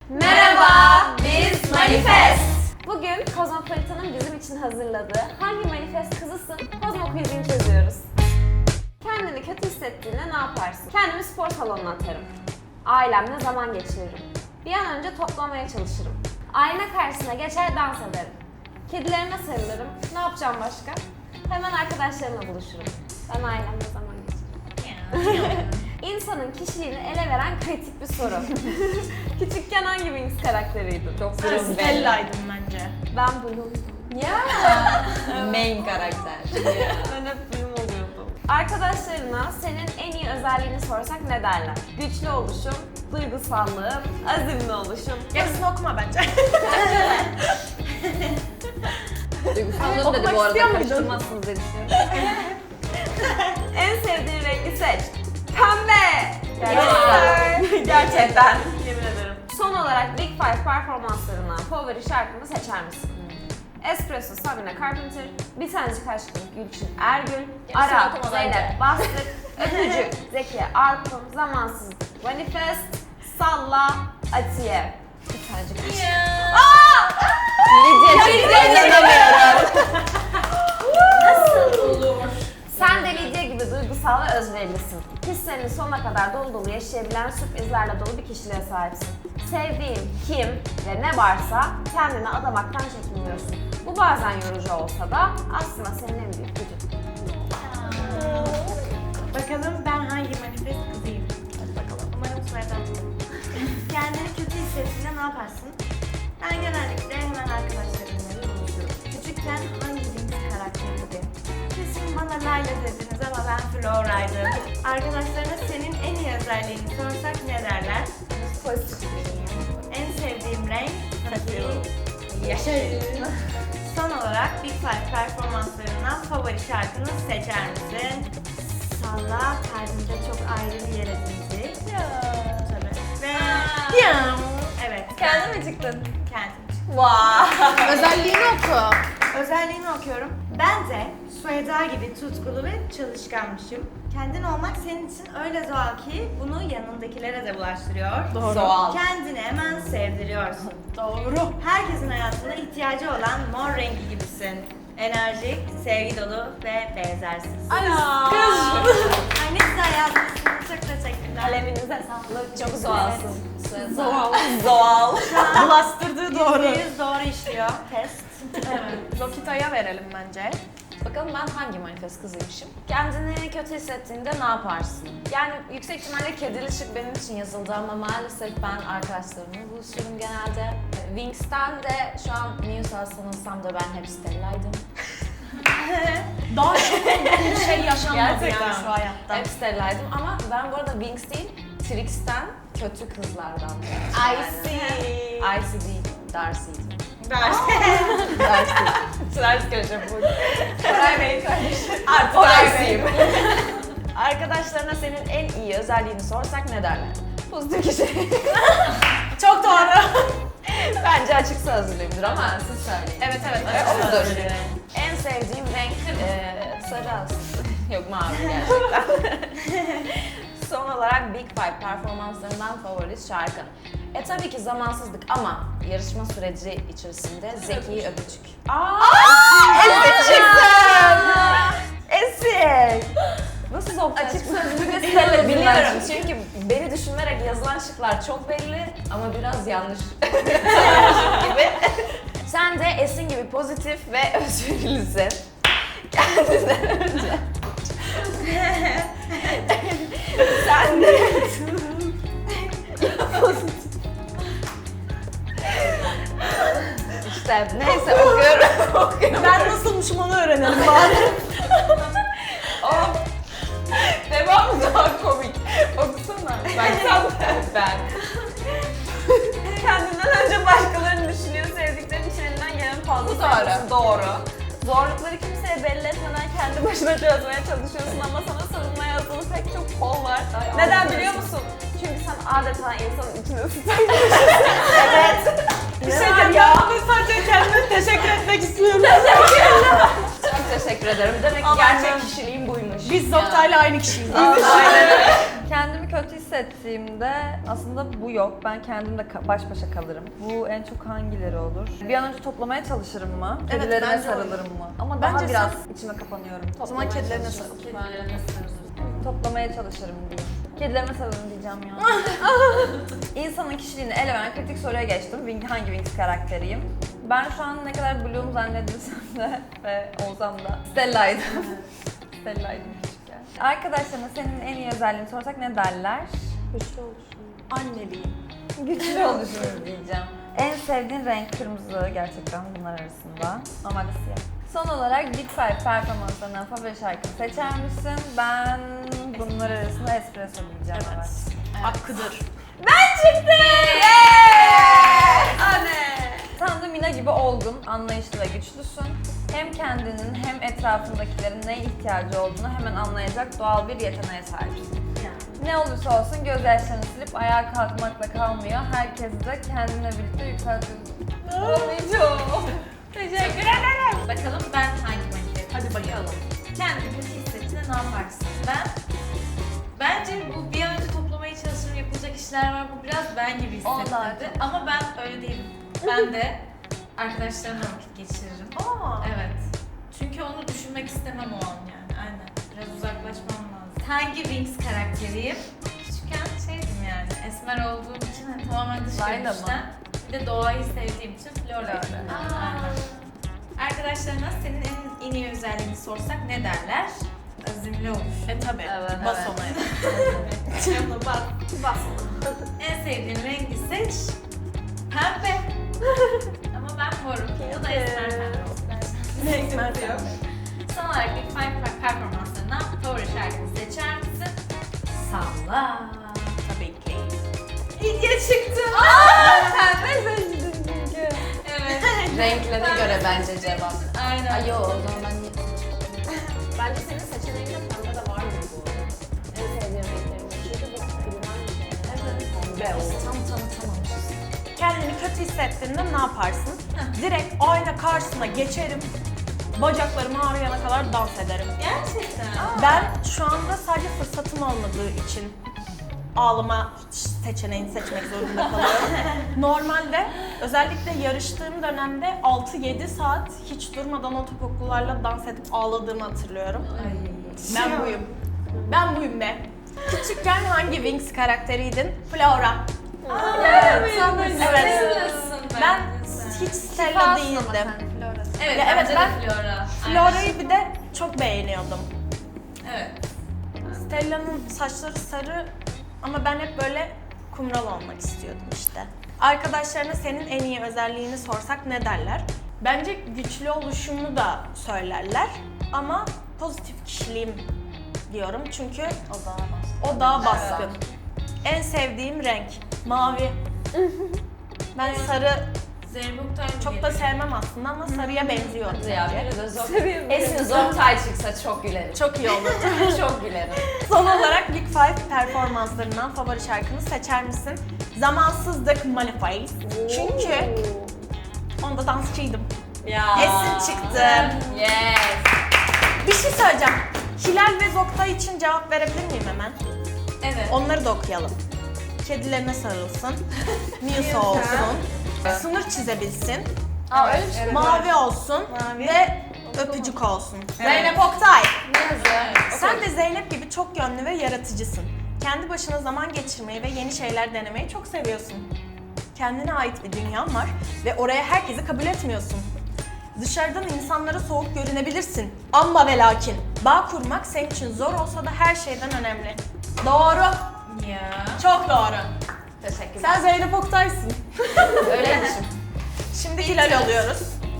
Merhaba, biz Manifest. Bugün Kozmopolitan'ın bizim için hazırladığı Hangi Manifest Kızısın? Kozmo Quiz'ini çözüyoruz. Kendini kötü hissettiğinde ne yaparsın? Kendimi spor salonuna atarım. Ailemle zaman geçiririm. Bir an önce toplamaya çalışırım. Ayna karşısına geçer dans ederim. Kedilerime sarılırım. Ne yapacağım başka? Hemen arkadaşlarımla buluşurum. Ben ailemle zaman geçiririm. İnsanın kişiliğini ele veren kritik bir soru. Küçükken hangi Wings karakteriydi? Çok Ben Bloom Stella'ydım bence. Ben Bloom'dum. Ya. Main karakter. Ben hep Bloom oluyordum. Arkadaşlarına senin en iyi özelliğini sorsak ne derler? Güçlü oluşum, duygusallığım, azimli oluşum. Yarısını okuma bence. Duygusallığım dedi bu arada, karıştırmazsınız diye düşünüyorum. En sevdiğin rengi seç. Pembe! Gerçekten. Gerçekten. Yemin ederim. Son olarak Big Five performanslarından favori şarkını seçer misin? Espresso Sabrina Carpenter, Bir Tanecik Aşkım Gülçin Ergül, Yarısını Ara okuma Zeynep bence. Bastık, Öpücük Zeki Arpın, Zamansızlık Manifest, Salla Atiye. Bir Tanecik Aşkım. Lidya çıktı, inanamıyorum. Nasıl olur? Sen de Lidya gibi duygusal ve özverilisin. Hislerini sonuna kadar dolu dolu yaşayabilen sürprizlerle dolu bir kişiliğe sahipsin. Sevdiğin kim ve ne varsa kendini adamaktan çekinmiyorsun. Bu bazen yorucu olsa da aslında senin en büyük gücün. Bakalım ben hangi manifest kızıyım? Hadi bakalım. Umarım sıradan. Kendini kötü hissettiğinde ne yaparsın? Ben genellikle hemen arkadaşlarımla buluşurum. Küçükken hangi Wings karakteriydi? Kesin bana Layla dediniz ama ben Flora'ydım. Arkadaşlarına senin en iyi özelliğini sorsak ne derler? Pozitif. En sevdiğim renk tabii yaşarım. Son olarak Big Five performanslarından favori şarkını seçer misin? Salla kalbimde çok ayrı bir yer edindi. Tabii. Ve evet. Kendi mi çıktın? Kendim. Vay. Özelliğini oku. Özelliğini okuyorum. Ben de Sueda gibi tutkulu ve çalışkanmışım. Kendin olmak senin için öyle doğal ki bunu yanındakilere de bulaştırıyor. Doğal. Kendini hemen sevdiriyorsun. Doğru. Herkesin hayatında ihtiyacı olan mor rengi gibisin. Enerjik, sevgi dolu ve benzersiz. Ay Ay ne güzel yazmışsınız. Çok teşekkürler. Kaleminize sağlık. Çok zoalsın. Zoal. Zoal. Bastırdığı doğru. %100 doğru işliyor. Test. Evet. Lokita'ya verelim bence. Bakalım ben hangi manifest kızıymışım? Kendini kötü hissettiğinde ne yaparsın? Yani yüksek ihtimalle kedili ışık benim için yazıldı ama maalesef ben arkadaşlarımla buluşurum genelde. Wings'ten de şu an Muse'a sanılsam da ben hep Stella'ydım. Daha çok bir şey yaşanmadı Gerçekten. yani şu hayatta. Hep Stella'ydım ama ben bu arada Wings değil, Trix'ten kötü kızlardan. I see. Icy değil, Darcy'ydim. Ver. Darcy. Ters köşe bu. Koray Bey kardeşim. Artık Orasıyım. Arkadaşlarına senin en iyi özelliğini sorsak ne derler? Pozitif kişi. Çok doğru. Bence açık sözlüyümdür ama siz söyleyin. Evet evet. Odur. En sevdiğim renk sarı aslında. Yok mavi gerçekten. Son olarak Big Five performanslarından favori şarkı. Tabii ki Zamansızlık ama yarışma süreci içerisinde Zeki Öpücük. Esin çıktın! Esin! Nasıl soktun? Açık sözlü ve Biliyorum biliyorum. çünkü beni düşünerek yazılan şıklar çok belli ama biraz yanlış gibi. Sen de Esin gibi pozitif ve özverilisin. Kendinden önce. Sen de İşte neyse okuyorum. Ben nasılmışım onu öğrenelim bari. Oh. Devam daha komik. Okusana. Ben. Kendinden önce başkalarını düşünüyor, sevdiklerinin için elinden gelen fazla Bu doğru. sayıyorsun. Doğru. Zorlukları kimseye belli etmeden kendi başına çözmeye çalışıyorsun ama sana savunma yazdığın pek çok kol var. Neden biliyor musun? Çünkü sen adeta insanın içine ısıtan Evet. Bir şey diyeyim ya. Ben sadece kendime teşekkür etmek istiyorum. Çok teşekkür ederim. Demek ki Aman gerçek canım. kişiliğim buymuş. Biz Zoktay'la aynı kişiyiz. Aynen öyle. Kendimi kötü hissettiğimde aslında bu yok. Ben kendimle baş başa kalırım. Bu en çok hangileri olur? Bir an önce toplamaya çalışırım mı? Evet, Kedilerime bence sarılırım mı? Ama Bence daha biraz içime kapanıyorum. O zaman kedilerine sarıl. Toplamaya çalışırım diyeyim. Kedilerime sarılırım diyeceğim ya. İnsanın kişiliğini ele veren kritik soruya geçtim. Hangi Winx karakteriyim? Ben şu an ne kadar Bloom zannedilsem de ve olsam da Stella'ydım. Stella'ydım küçükken. Arkadaşlarına senin en iyi özelliğini sorsak ne derler? Güçlü oluşum. Anneliğim. Güçlü oluşumuz diyeceğim. En sevdiğin renk kırmızı gerçekten bunlar arasında. Normalde siyah. Son olarak Big Five performanslarından favori şarkını seçer misin? Ben bunlar arasında Espresso diyeceğim. Evet. Hakkıdır. Anne! Sen de Mina gibi olgun, anlayışlı ve güçlüsün. Hem kendinin hem etrafındakilerin neye ihtiyacı olduğunu hemen anlayacak doğal bir yeteneğe sahipsin. Ne olursa olsun gözyaşlarını silip ayağa kalkmakla kalmıyor. Herkesi de kendine birlikte yükseltiyorsun. Anlayacağım. Teşekkür ederim. Bakalım ben hangi manifest? Hadi bakalım. Kendini kötü hissettiğinde ne yaparsın? Bence bu bir an önce toplamaya çalışırım, yapılacak işler var. Bu biraz ben gibi Onlar hissettirdi. Ama ben öyle değilim. Ben de arkadaşlarımla vakit geçiririm. Evet. Çünkü onu düşünmek istemem o an yani. Aynen. Biraz uzaklaşmam lazım. Hangi Winx karakteriyim? Küçükken şeydim yani. Esmer olduğum için hani tamamen dış Layla mı? görünüşten. Bir de doğayı sevdiğim için Flora'ydım. Flora. Aynen. Arkadaşlarına senin en iyi özelliğini sorsak ne derler? Azimli oluş. Tabii. Evet, Bas evet. ona. Yanına bak. Bas. En sevdiğin rengi seç. Pembe. Ama ben morum. O da esmer pembe olsun. Esmer pembe. Son olarak Big Five performanslarından favori şarkını seçer misin? Salla. Tabii ki. İlgiye çıktı. Pembe seçtin çünkü. Evet. Renklerine göre bence cevap. Aynen. Ay yo, o zaman ben Bence senin seçeneğinde pembe de vardır bu arada. En sevdiğim renklerim. Çünkü bu bilinen bir şey. pembe oldu. Tam tanıtamamışız. Kendini kötü hissettiğinde ne yaparsın? Direkt ayna karşısına geçerim. Bacaklarım ağrıyana kadar dans ederim. Gerçekten. Ben şu anda sadece fırsatım olmadığı için ağlama seçeneğini seçmek zorunda kalıyorum. Normalde özellikle yarıştığım dönemde 6-7 saat hiç durmadan o topuklularla dans edip ağladığımı hatırlıyorum. Ben buyum. Ben buyum be. Küçükken hangi Winx karakteriydin? Flora. Evet. Evet. Ben hiç Stella değildim. Evet, Ya evet, bence ben de Flora. Flora'yı bir de çok beğeniyordum. Evet. Stella'nın saçları sarı ama ben hep böyle kumral olmak istiyordum işte. Arkadaşlarına senin en iyi özelliğini sorsak ne derler? Bence güçlü oluşumu da söylerler ama pozitif kişiliğim diyorum çünkü o daha baskın. En sevdiğim renk mavi. Ben sarı Zeynep Oktay mı çok da sevmem aslında ama sarıya benziyor. Ya biri de zor. Esin Zoktay çıksa çok gülerim. Çok iyi olur. Çok gülerim. Son olarak Big Five performanslarından favori şarkını seçer misin? Zamansızlık Manifest. Çünkü onda dansçıydım. Ya. Esin çıktı. Yes. Bir şey söyleyeceğim. Hilal ve Zokta için cevap verebilir miyim hemen? Evet. Onları da okuyalım. Kedilerine sarılsın. Musa olsun. Sınır çizebilsin. Aa öyle bir şey. Mavi olsun. Ve öpücük olsun. Zeynep Oktay. Ne yazıyor? Sen de Zeynep gibi çok yönlü ve yaratıcısın. Kendi başına zaman geçirmeyi ve yeni şeyler denemeyi çok seviyorsun. Kendine ait bir dünyan var ve oraya herkesi kabul etmiyorsun. Dışarıdan insanlara soğuk görünebilirsin. Ama ve lakin bağ kurmak senin için zor olsa da her şeyden önemli. Doğru. Ya. Çok doğru. Teşekkürler. Sen Zeynep Oktay'sın. Öyleymişim. Şimdi Hilal alıyoruz.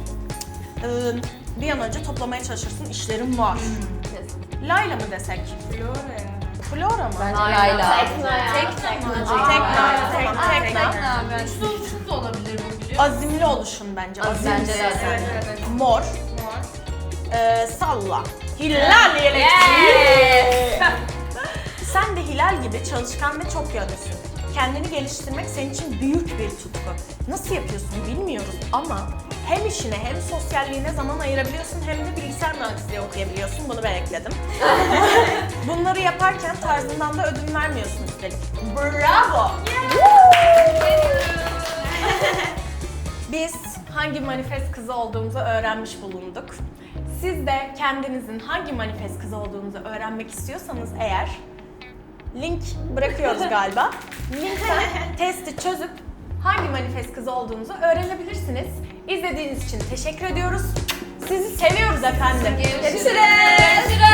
Bir an önce toplamaya çalışırsın. İşlerim var. Layla mı desek? Flora ya. Flora mı? Bence Layla. Tekno ya. Tekno mu? Tekno. Güçlü oluşum da olabilir bu biliyor musun? Azimli oluşun bence. Bence de Evet, azimli. evet. Mor. Salla. Hilal Yes. Sen de Hilal gibi çalışkan ve çok yönlüsün. kendini geliştirmek senin için büyük bir tutku. Nasıl yapıyorsun bilmiyoruz ama hem işine hem sosyalliğine zaman ayırabiliyorsun hem de bilgisayar mühendisliği okuyabiliyorsun. Bunu ben ekledim. Bunları yaparken tarzından da ödün vermiyorsun üstelik. Bravo! Biz hangi manifest kızı olduğumuzu öğrenmiş bulunduk. Siz de kendinizin hangi manifest kızı olduğunuzu öğrenmek istiyorsanız eğer link bırakıyoruz galiba. Linkten testi çözüp hangi manifest kızı olduğunuzu öğrenebilirsiniz. İzlediğiniz için teşekkür ediyoruz. Sizi seviyoruz efendim. Görüşürüz.